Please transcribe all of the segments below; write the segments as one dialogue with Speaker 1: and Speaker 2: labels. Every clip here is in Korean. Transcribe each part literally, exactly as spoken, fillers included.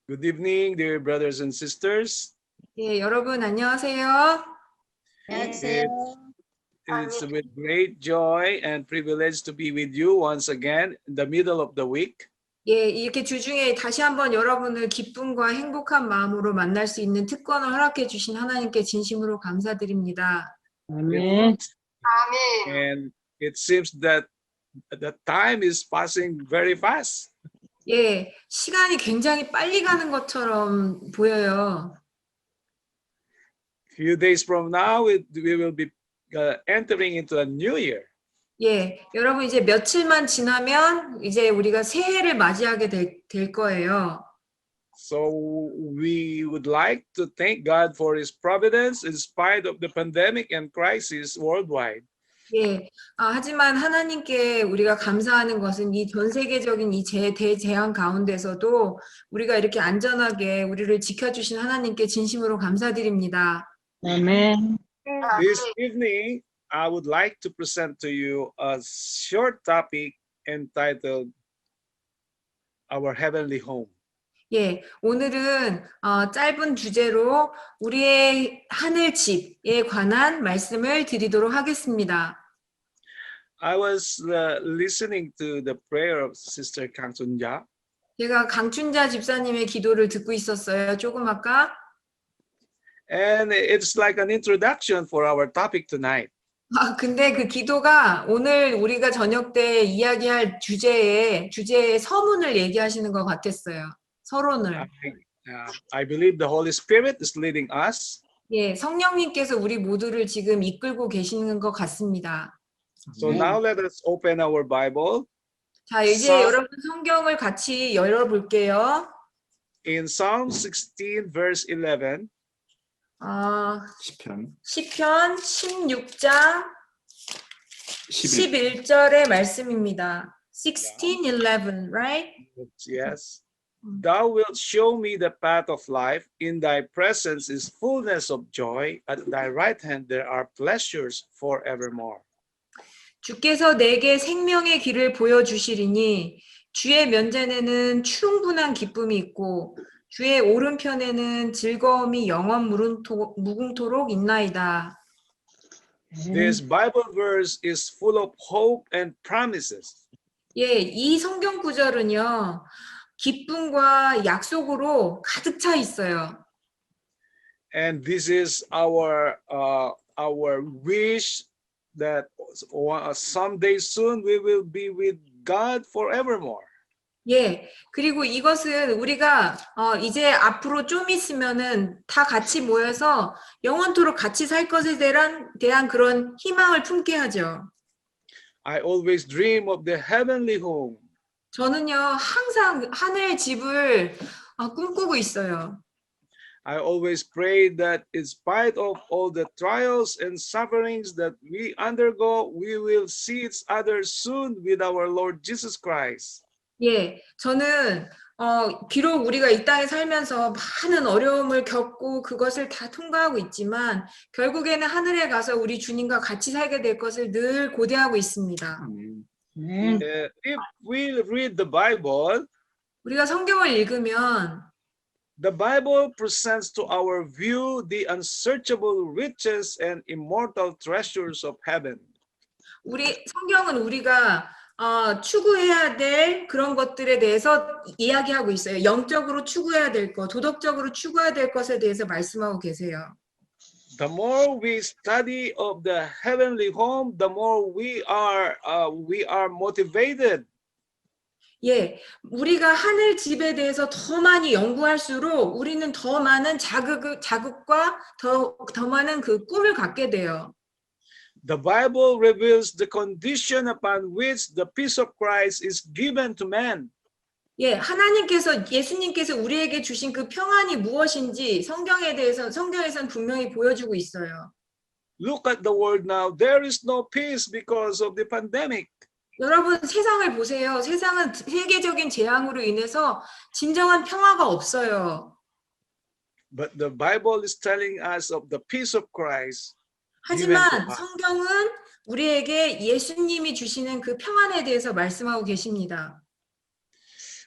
Speaker 1: Good evening, dear brothers and sisters.
Speaker 2: 예, 여러분 안녕하세요.
Speaker 3: 안녕하세요.
Speaker 1: It's with great joy and privilege to be with you once again in the middle of the week.
Speaker 2: 예, 이렇게 주중에 다시 한번 여러분을 기쁨과 행복한 마음으로 만날 수 있는 특권을 허락해 주신 하나님께 진심으로 감사드립니다.
Speaker 3: 아멘.
Speaker 1: And it seems that the time is passing very fast.
Speaker 2: 예, 시간이 굉장히 빨리 가는 것처럼 보여요.
Speaker 1: Few days from now, it, we will be uh, entering into a new year.
Speaker 2: 예, 여러분 이제 며칠만 지나면 이제 우리가 새해를 맞이하게 될, 될 거예요.
Speaker 1: So we would like to thank God for His providence in spite of the pandemic and crisis worldwide.
Speaker 2: 예, 아, 하지만 하나님께 우리가 감사하는 것은 이 전 세계적인 이 재, 대재앙 가운데서도 우리가 이렇게 안전하게 우리를 지켜주신 하나님께 진심으로 감사드립니다.
Speaker 3: 아멘.
Speaker 1: This evening, I would like to present to you a short topic entitled Our Heavenly Home.
Speaker 2: 예, 오늘은 어, 짧은 주제로 우리의 하늘 집에 관한 말씀을 드리도록 하겠습니다.
Speaker 1: I was uh, listening to the prayer of Sister Kang Sun-ja,
Speaker 2: 제가 강춘자 집사님의 기도를 듣고 있었어요. 조금 아까.
Speaker 1: and it's like an introduction for our topic tonight.
Speaker 2: 아, 근데 그 기도가 오늘 우리가 저녁 때 이야기할 주제의 주제의 서문을 얘기하시는 것 같았어요. 서론을.
Speaker 1: I, uh, I believe the Holy Spirit is leading us.
Speaker 2: 예, 성령님께서 우리 모두를 지금 이끌고 계시는 것 같습니다.
Speaker 1: So now let us open our Bible
Speaker 2: 자, 이제
Speaker 1: 서-
Speaker 2: 여러분 성경을 같이 열어볼게요.
Speaker 1: in Psalm sixteen, verse eleven.
Speaker 2: 어,
Speaker 4: 시편
Speaker 2: 시편 십육 장
Speaker 4: 십일
Speaker 2: 십일 절의 말씀입니다. sixteen, eleven, right?
Speaker 1: Yes. Thou wilt show me the path of life. In thy presence is fullness of joy. At thy right hand there are pleasures forevermore.
Speaker 2: 주께서 내게 생명의 길을 보여주시리니 주의 면전에는 충분한 기쁨이 있고 주의 오른편에는 즐거움이 영원 무궁토- 무궁토록 있나이다.
Speaker 1: This Bible verse is full of hope and promises.
Speaker 2: 예, 이 성경 구절은요. 기쁨과 약속으로 가득 차 있어요.
Speaker 1: And this is our uh, our wish that uh, someday soon we will be with God forevermore.
Speaker 2: 예, 그리고 이것은 우리가 어, 이제 앞으로 좀 있으면은 다 같이 모여서 영원토록 같이 살 것에 대한, 대한 그런 희망을 품게 하죠.
Speaker 1: I always dream of the heavenly home.
Speaker 2: 저는요, 항상 하늘 집을 어, 꿈꾸고 있어요.
Speaker 1: I always pray that in spite of all the trials and sufferings that we undergo, we will see each other soon with our Lord Jesus Christ.
Speaker 2: 예, 저는 어, 비록 우리가 이 땅에 살면서 많은 어려움을 겪고 그것을 다 통과하고 있지만 결국에는 하늘에 가서 우리 주님과 같이 살게 될 것을 늘 고대하고 있습니다.
Speaker 4: 아멘.
Speaker 3: 아멘.
Speaker 1: Uh, if we read the Bible,
Speaker 2: 우리가 성경을 읽으면
Speaker 1: the Bible presents to our view the unsearchable riches and immortal treasures of heaven.
Speaker 2: 우리 성경은 우리가 어, 추구해야 될 그런 것들에 대해서 이야기하고 있어요. 영적으로 추구해야 될 것, 도덕적으로 추구해야 될 것에 대해서 말씀하고 계세요.
Speaker 1: The more we study of the heavenly home, the more we are uh, we are motivated.
Speaker 2: 예, 우리가 하늘 집에 대해서 더 많이 연구할수록 우리는 더 많은 자극, 자극과 더, 더 많은 그 꿈을 갖게 돼요.
Speaker 1: The Bible reveals the condition upon which the peace of Christ is given to man.
Speaker 2: 예, 하나님께서, 예수님께서 우리에게 주신 그 평안이 무엇인지 성경에 대해서, 성경에서는 분명히 보여주고 있어요.
Speaker 1: Look at the world now. There is no peace because of the pandemic.
Speaker 2: 여러분, 세상을 보세요. 세상은 세계적인 재앙으로 인해서 진정한 평화가 없어요.
Speaker 1: But the Bible is telling us of the peace of Christ.
Speaker 2: 하지만 성경은 우리에게 예수님이 주시는 그 평안에 대해서 말씀하고 계십니다.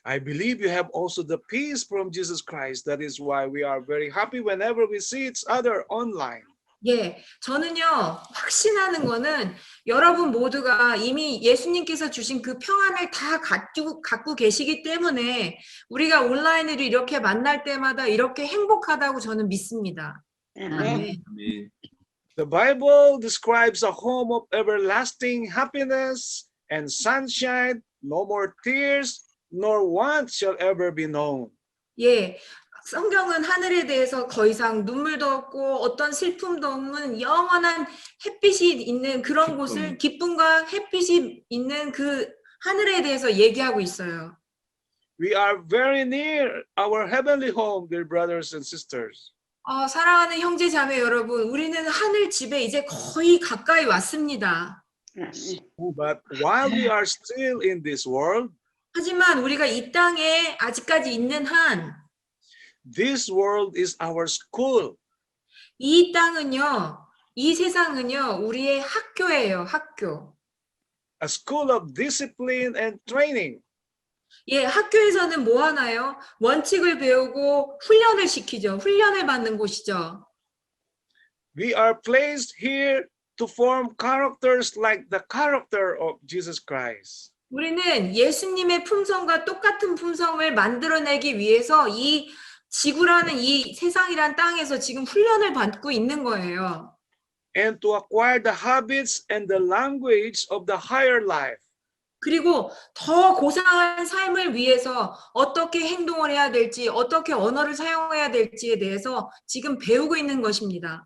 Speaker 1: I believe you have also the peace from Jesus Christ. That is why we are very happy whenever we see each other online.
Speaker 2: 예, 저는요, 확신하는 거는 여러분 모두가 이미 예수님께서 주신 그 평안을 다 갖고, 갖고 계시기 때문에 우리가 온라인으로 이렇게 만날 때마다 이렇게 행복하다고 저는 믿습니다. 아멘.
Speaker 1: The Bible describes a home of everlasting happiness and sunshine, no more tears, nor want shall ever be known.
Speaker 2: 예, 성경은 하늘에 대해서 더 이상 눈물도 없고 어떤 슬픔도 없는 영원한 햇빛이 있는 그런 곳을 기쁨과 햇빛이 있는 그 하늘에 대해서 얘기하고 있어요.
Speaker 1: We are very near our heavenly home, dear brothers and sisters.
Speaker 2: 어, 사랑하는 형제 자매 여러분, 우리는 하늘 집에 이제 거의 가까이 왔습니다.
Speaker 1: But while we are still in this world,
Speaker 2: 하지만 우리가 이 땅에 아직까지 있는 한
Speaker 1: this world is our school.
Speaker 2: 이 땅은요, 이 세상은요, 우리의 학교예요, 학교.
Speaker 1: A school of discipline and training.
Speaker 2: 예, 학교에서는 뭐 하나요? 원칙을 배우고 훈련을 시키죠. 훈련을 받는 곳이죠.
Speaker 1: We are placed here to form characters like the character of Jesus Christ.
Speaker 2: 우리는 예수님의 품성과 똑같은 품성을 만들어내기 위해서 이 지구라는 이 세상이란 땅에서 지금 훈련을 받고 있는 거예요.
Speaker 1: And to acquire the habits and the language of the higher life.
Speaker 2: 그리고 더 고상한 삶을 위해서 어떻게 행동을 해야 될지, 어떻게 언어를 사용해야 될지에 대해서 지금 배우고 있는 것입니다.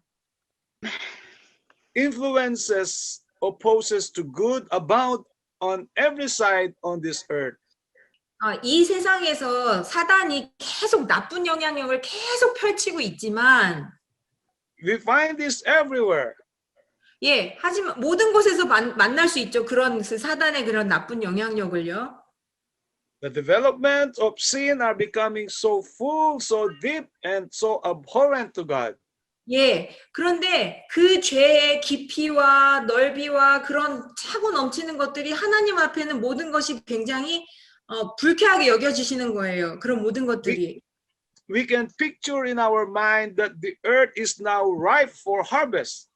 Speaker 1: Influences opposes to good abound on every side on this earth.
Speaker 2: 아, 이 세상에서 사단이 계속 나쁜 영향력을 계속 펼치고 있지만
Speaker 1: We find this everywhere.
Speaker 2: 예, 하지만 모든 곳에서 만, 만날 수 있죠. 그런 그 사단의 그런 나쁜 영향력을요.
Speaker 1: The development of sin are becoming so full, so deep, and so abhorrent to God.
Speaker 2: 예, 그런데 그 죄의 깊이와 넓이와 그런 차고 넘치는 것들이 하나님 앞에는 모든 것이 굉장히 어, 불쾌하게 여겨지시는 거예요. 그런 모든 것들이.
Speaker 1: We can picture in our mind that the earth is now ripe for harvest.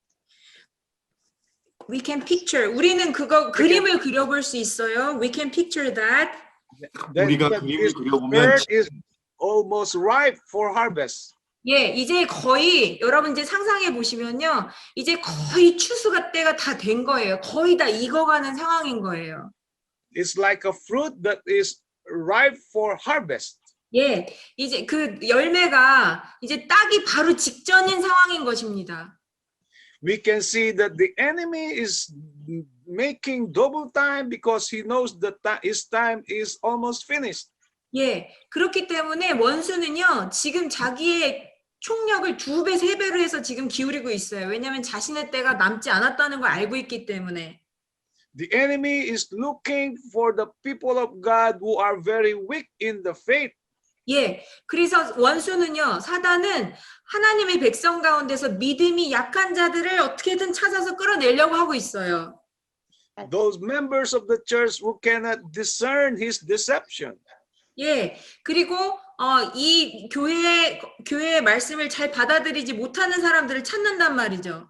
Speaker 2: We can picture. 우리는 그거 그림을 그려볼 수 있어요. We can picture that.
Speaker 1: That,
Speaker 4: 우리가
Speaker 1: that
Speaker 4: 그림을
Speaker 1: this
Speaker 4: 그려보면
Speaker 1: earth is almost ripe for harvest.
Speaker 2: 예, 이제 거의 여러분 이제 상상해 보시면요, 이제 거의 추수가 때가 다 된 거예요. 거의 다 익어가는 상황인 거예요.
Speaker 1: It's like a fruit that is ripe for harvest.
Speaker 2: 예, 이제 그 열매가 이제 따기 바로 직전인 상황인 것입니다.
Speaker 1: We can see that the enemy is making double time because he knows that his time is almost finished.
Speaker 2: 예, 그렇기 때문에 원수는요, 지금 자기의 총력을 두 배, 세 배로 해서 지금 기울이고 있어요. 왜냐하면 자신의 때가 남지 않았다는 걸 알고 있기 때문에.
Speaker 1: The enemy is looking for the people of God who are very weak in the faith.
Speaker 2: 예, 그래서 원수는요, 사단은 하나님의 백성 가운데서 믿음이 약한 자들을 어떻게든 찾아서 끌어내려고 하고 있어요.
Speaker 1: Those members of the church who cannot discern his deception.
Speaker 2: 예, 그리고 어, 이 교회의 교회의 말씀을 잘 받아들이지 못하는 사람들을 찾는단 말이죠.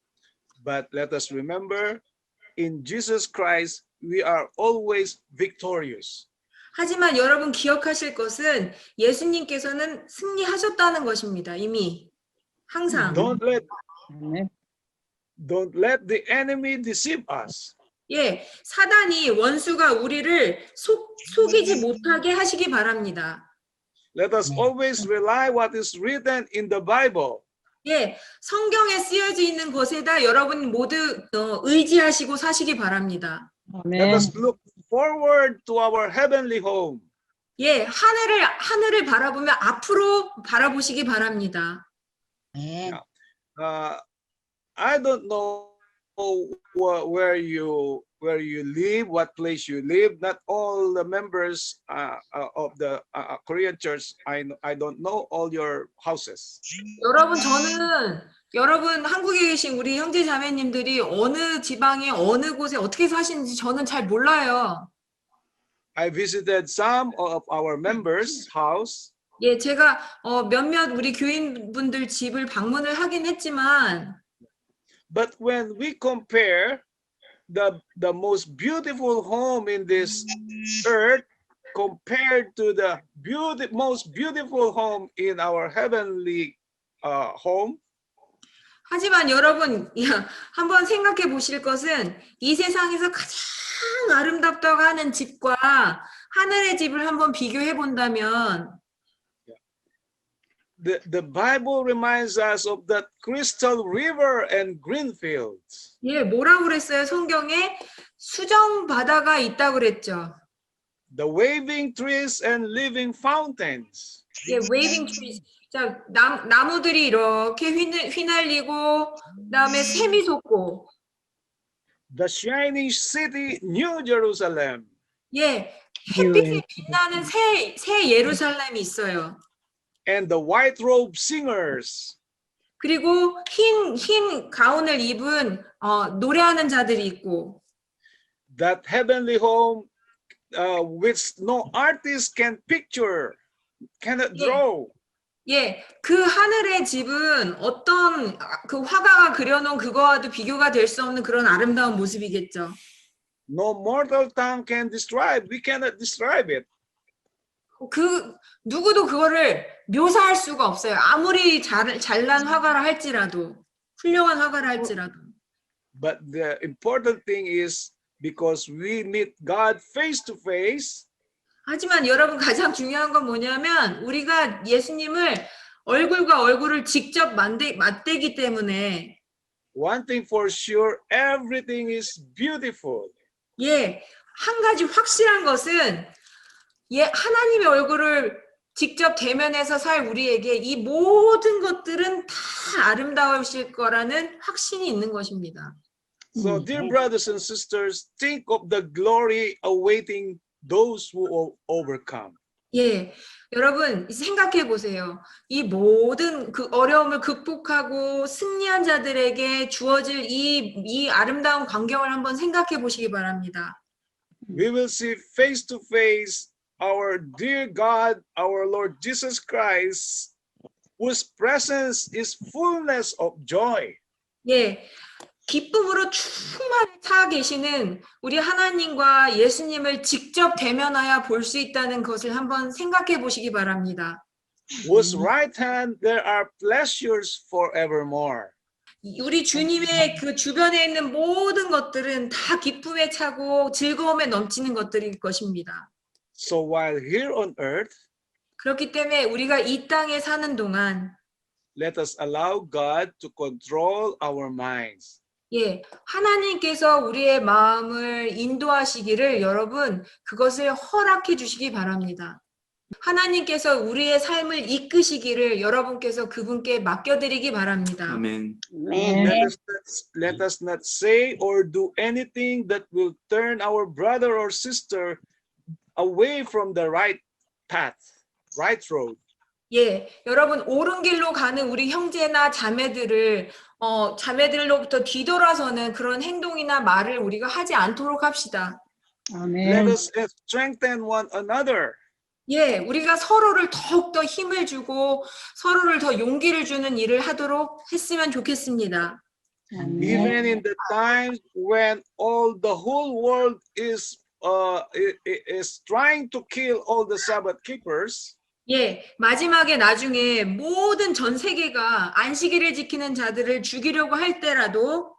Speaker 1: But let us remember, in Jesus Christ, we are always victorious.
Speaker 2: 하지만 여러분 기억하실 것은 예수님께서는 승리하셨다는 것입니다. 이미 항상.
Speaker 1: Don't let,
Speaker 3: 아멘.
Speaker 1: don't let the enemy deceive us.
Speaker 2: 예, 사단이 원수가 우리를 속, 속이지 못하게 하시기 바랍니다.
Speaker 1: Let us always rely what is written in the Bible.
Speaker 2: 예, 성경에 쓰여져 있는 것에다 여러분 모두 어, 의지하시고 사시기 바랍니다.
Speaker 1: Let
Speaker 3: 아멘.
Speaker 1: us look forward to our heavenly home.
Speaker 2: 예, 하늘을 하늘을 바라보며 앞으로 바라보시기 바랍니다.
Speaker 3: 아멘.
Speaker 1: Uh, I don't know wh- where you where you live, what place you live. Not all the members uh, uh, of the uh, Korean church. I kn- I don't know all your houses.
Speaker 2: 여러분 저는 여러분 한국에 계신 우리 형제 자매님들이 어느 지방에 어느 곳에 어떻게 사시는지 저는 잘 몰라요.
Speaker 1: I visited some of our members' house,
Speaker 2: 예, 제가 어, 몇몇 우리 교인분들 집을 방문을 하긴 했지만
Speaker 1: but when we compare the the most beautiful home in this earth compared to the beauty, most beautiful home in our heavenly uh, home,
Speaker 2: 하지만 여러분 야, 한번 생각해 보실 것은 이 세상에서 가장 아름답다고 하는 집과 하늘의 집을 한번 비교해 본다면
Speaker 1: the, the Bible reminds us of that crystal river and green fields.
Speaker 2: 예, 뭐라고 그랬어요? 성경에 수정 바다가 있다고 그랬죠.
Speaker 1: The waving trees and living fountains.
Speaker 2: 예, waving trees. 자, 나, 나무들이 이렇게 휘날, 휘날리고 그다음에 샘이 솟고
Speaker 1: The shining city, New Jerusalem.
Speaker 2: 예, 햇빛에 빛나는 새, 새 예루살렘이 있어요.
Speaker 1: And the white robe singers.
Speaker 2: 그리고 흰, 흰 가운을 입은 어, 노래하는 자들이 있고
Speaker 1: That heavenly home uh, which no artist can picture, cannot
Speaker 2: Yeah.
Speaker 1: draw.
Speaker 2: 예, 그 하늘의 집은 어떤 그 화가가 그려놓은 그거와도 비교가 될 수 없는 그런 아름다운 모습이겠죠.
Speaker 1: No mortal tongue can describe. We cannot describe it.
Speaker 2: 그 누구도 그거를 묘사할 수가 없어요. 아무리 잘, 잘난 화가라 할지라도 훌륭한 화가라 할지라도.
Speaker 1: But the important thing is because we meet God face to face,
Speaker 2: 하지만 여러분 가장 중요한 건 뭐냐면 우리가 예수님을 얼굴과 얼굴을 직접 만대, 맞대기 때문에
Speaker 1: one thing for sure, everything is beautiful.
Speaker 2: 예, 한 가지 확실한 것은 예, 하나님의 얼굴을 직접 대면해서 살 우리에게 이 모든 것들은 다 아름다우실 거라는 확신이 있는 것입니다.
Speaker 1: So, dear brothers and sisters, think of the glory awaiting those who o- overcome.
Speaker 2: 예, 여러분 생각해 보세요. 이 모든 그 어려움을 극복하고 승리한 자들에게 주어질 이, 이 아름다운 광경을 한번 생각해 보시기 바랍니다.
Speaker 1: We will see face to face our dear God, our Lord Jesus Christ, whose presence is fullness of joy.
Speaker 2: 예, 기쁨으로 충만히 차 계시는 우리 하나님과 예수님을 직접 대면하여 볼 수 있다는 것을 한번 생각해 보시기 바랍니다.
Speaker 1: Whose right hand there are pleasures forevermore.
Speaker 2: 우리 주님의 그 주변에 있는 모든 것들은 다 기쁨에 차고 즐거움에 넘치는 것들일 것입니다.
Speaker 1: So while here on earth,
Speaker 2: 그렇기 때문에 우리가 이 땅에 사는 동안
Speaker 1: let us allow God to control our minds.
Speaker 2: 예, 하나님께서 우리의 마음을 인도하시기를 여러분 그것을 허락해 주시기 바랍니다. 하나님께서 우리의 삶을 이끄시기를 여러분께서 그분께 맡겨드리기 바랍니다.
Speaker 4: 아멘.
Speaker 3: Amen.
Speaker 1: Let us not, let us not say or do anything that will turn our brother or sister away from the right path, right road.
Speaker 2: 예, 여러분 옳은 길로 가는 우리 형제나 자매들을 어, 자매들로부터 뒤돌아서는 그런 행동이나 말을 우리가 하지 않도록 합시다.
Speaker 1: Let
Speaker 3: Amen.
Speaker 1: us strengthen one another.
Speaker 2: 예, 우리가 서로를 더욱더 힘을 주고 서로를 더 용기를 주는 일을 하도록 했으면 좋겠습니다.
Speaker 3: Amen.
Speaker 1: Even in the times when all the whole world is uh, i- i- is trying to kill all the Sabbath keepers,
Speaker 2: 예, 마지막에 나중에 모든 전 세계가 안식일을 지키는 자들을 죽이려고 할 때라도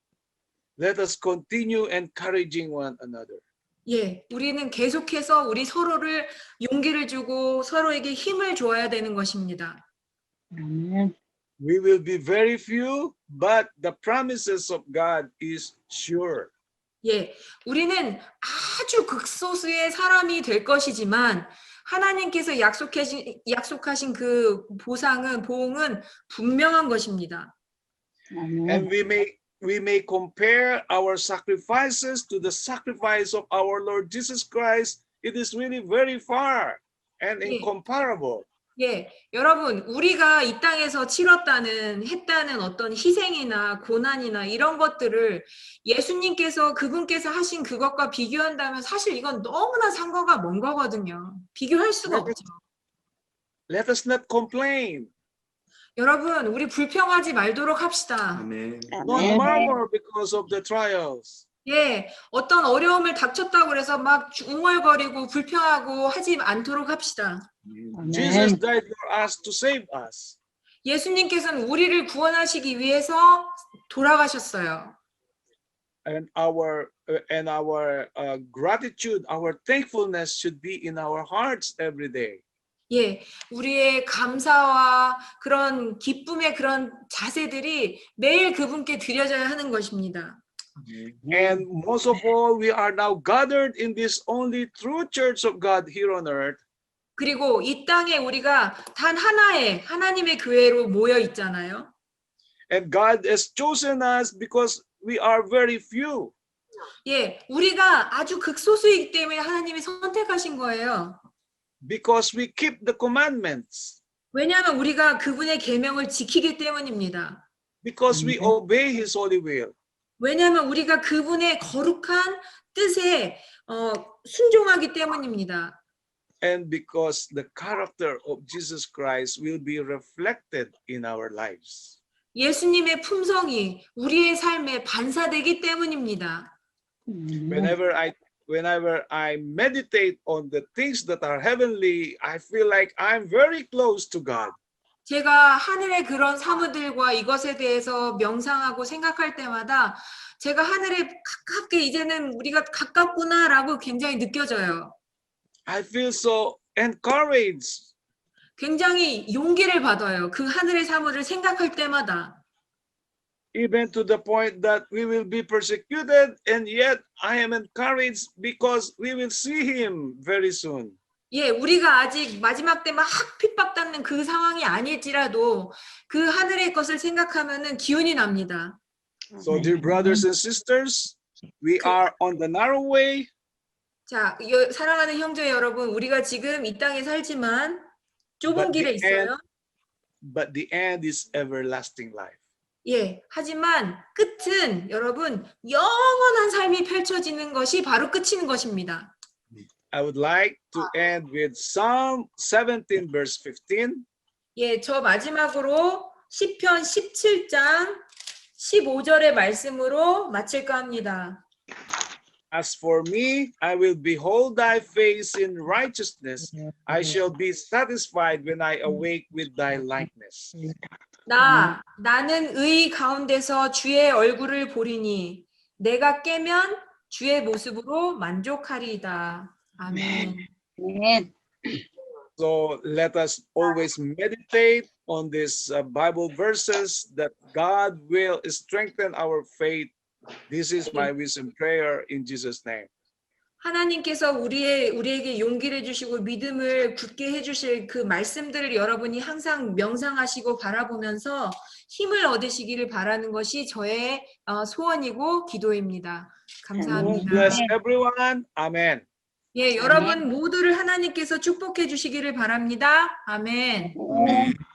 Speaker 1: let us continue encouraging one another.
Speaker 2: 예, 우리는 계속해서 우리 서로를 용기를 주고 서로에게 힘을 줘야 되는 것입니다.
Speaker 3: Amen.
Speaker 1: We will be very few, but the promises of God is sure.
Speaker 2: 예, 우리는 아주 극소수의 사람이 될 것이지만 하나님께서 약속하신, 약속하신 그 보상은, 보응은 분명한 것입니다.
Speaker 3: Amen.
Speaker 1: And we may we may compare our sacrifices to the sacrifice of our Lord Jesus Christ. It is really very far and
Speaker 2: Yeah.
Speaker 1: incomparable.
Speaker 2: 예, 여러분, 우리가 이 땅에서 치렀다는, 했다는 어떤 희생이나 고난이나 이런 것들을 예수님께서, 그분께서 하신 그것과 비교한다면 사실 이건 너무나 상관가 먼 거거든요. 비교할 수가
Speaker 1: Let us,
Speaker 2: 없죠.
Speaker 1: let us not complain.
Speaker 2: 여러분, 우리 불평하지 말도록 합시다.
Speaker 4: 아멘.
Speaker 1: Not
Speaker 3: 아멘.
Speaker 1: murmur because of the trials.
Speaker 2: 예, 어떤 어려움을 닥쳤다고 해서 막 웅얼거리고 불평하고 하지 않도록 합시다.
Speaker 1: Jesus
Speaker 3: 아멘.
Speaker 1: died for us to save us.
Speaker 2: 예수님께서는 우리를 구원하시기 위해서 돌아가셨어요.
Speaker 1: And our uh, and our uh, gratitude, our thankfulness should be in our hearts every day.
Speaker 2: 예, 우리의 감사와 그런 기쁨의 그런 자세들이 매일 그분께 드려져야 하는 것입니다.
Speaker 1: And most of all, we are now gathered in this only true church of God here on earth.
Speaker 2: 그리고 이 땅에 우리가 단 하나의 하나님의 교회로 모여 있잖아요.
Speaker 1: And God has chosen us because we are very few.
Speaker 2: 예, 우리가 아주 극소수이기 때문에 하나님이 선택하신 거예요.
Speaker 1: Because we keep the commandments.
Speaker 2: 왜냐하면 우리가 그분의 계명을 지키기 때문입니다.
Speaker 1: Because we obey His holy will.
Speaker 2: 왜냐하면 우리가 그분의 거룩한 뜻에 어, 순종하기 때문입니다.
Speaker 1: And because the character of Jesus Christ will be reflected in our lives.
Speaker 2: 예수님의 품성이 우리의 삶에 반사되기 때문입니다.
Speaker 1: Whenever I whenever I meditate on the things that are heavenly, I feel like I'm very close to God.
Speaker 2: 제가 하늘의 그런 사무들과 이것에 대해서 명상하고 생각할 때마다 제가 하늘에 가깝게 이제는 우리가 가깝구나라고 굉장히 느껴져요.
Speaker 1: I feel so encouraged.
Speaker 2: 굉장히 용기를 받아요. 그 하늘의 사무를 생각할 때마다.
Speaker 1: Even to the point that we will be persecuted, and yet I am encouraged because we will see Him very soon.
Speaker 2: 예, 우리가 아직 마지막 때 막 핍박받는 그 상황이 아닐지라도 그 하늘의 것을 생각하면은 기운이 납니다.
Speaker 1: So, dear brothers and sisters, we are on the narrow way,
Speaker 2: 자, 여, 사랑하는 형제 여러분, 우리가 지금 이 땅에 살지만 좁은
Speaker 1: But
Speaker 2: 길에
Speaker 1: the end-
Speaker 2: 있어요.
Speaker 1: but the end is everlasting life.
Speaker 2: 예, 하지만 끝은 여러분 영원한 삶이 펼쳐지는 것이 바로 끝이는 것입니다.
Speaker 1: I would like to end with Psalm seventeen, verse fifteen.
Speaker 2: 예, 저 마지막으로 시편 십칠 장 십오 절의 말씀으로 마칠까 합니다.
Speaker 1: As for me, I will behold thy face in righteousness. I shall be satisfied when I awake with thy likeness.
Speaker 2: 나, 나는 의 가운데서 주의 얼굴을 보리니 내가 깨면 주의 모습으로 만족하리이다. 아멘.
Speaker 3: 아멘.
Speaker 1: So let us always meditate on these uh, Bible verses that God will strengthen our faith. This is my wisdom prayer in Jesus' name.
Speaker 2: 하나님께서 우리의 우리에게 용기를 주시고 믿음을 굳게 해주실 그 말씀들을 여러분이 항상 명상하시고 바라보면서 힘을 얻으시기를 바라는 것이 저의 어, 소원이고 기도입니다. 감사합니다.
Speaker 1: Bless everyone. Amen.
Speaker 2: 예, 여러분 모두를 하나님께서 축복해 주시기를 바랍니다. 아멘.
Speaker 3: 아멘.